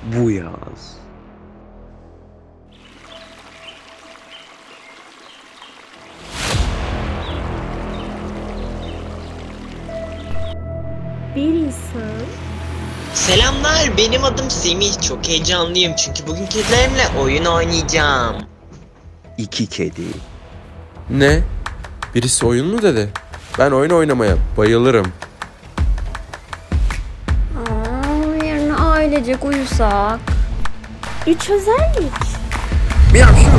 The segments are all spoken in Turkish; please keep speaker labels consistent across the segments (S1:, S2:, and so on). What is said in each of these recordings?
S1: bu yaz.
S2: Bir insan
S3: Selamlar, benim adım Semih. Çok heyecanlıyım çünkü bugün kedilerimle oyun oynayacağım.
S1: 2 kedi.
S4: Ne? Birisi oyun mu dedi? Ben oyun oynamaya bayılırım.
S5: Yarın ailecek uyusak.
S2: 3 özellik.
S4: Miyav şu.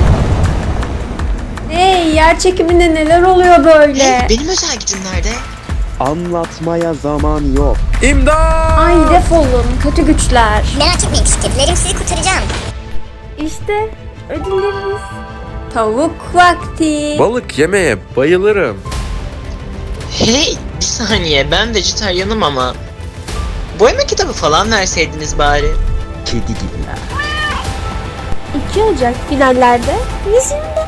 S5: Hey, yer çekiminde neler oluyor böyle?
S3: Hey, benim özel gücüm nerede?
S1: Anlatmaya zaman yok.
S4: İmdat!
S5: Ay defolun kötü güçler.
S6: Merak etmeyin küçük kedilerim, sizi kurtaracağım.
S2: İşte ödülleriniz.
S5: Tavuk vakti.
S4: Balık yemeye bayılırım.
S3: Hey, bir saniye, ben vejetaryenim ama. Boyama kitabı falan verseydiniz bari.
S1: Kedi gibiler.
S2: 2 Ocak finallerde vizyonda.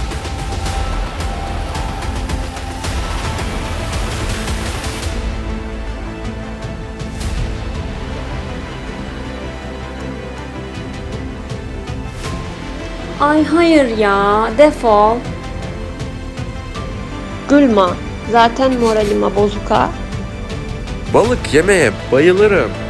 S5: Ay hayır ya, defol.
S2: Gülma. Zaten moralime bozuk ha.
S4: Balık yemeye bayılırım.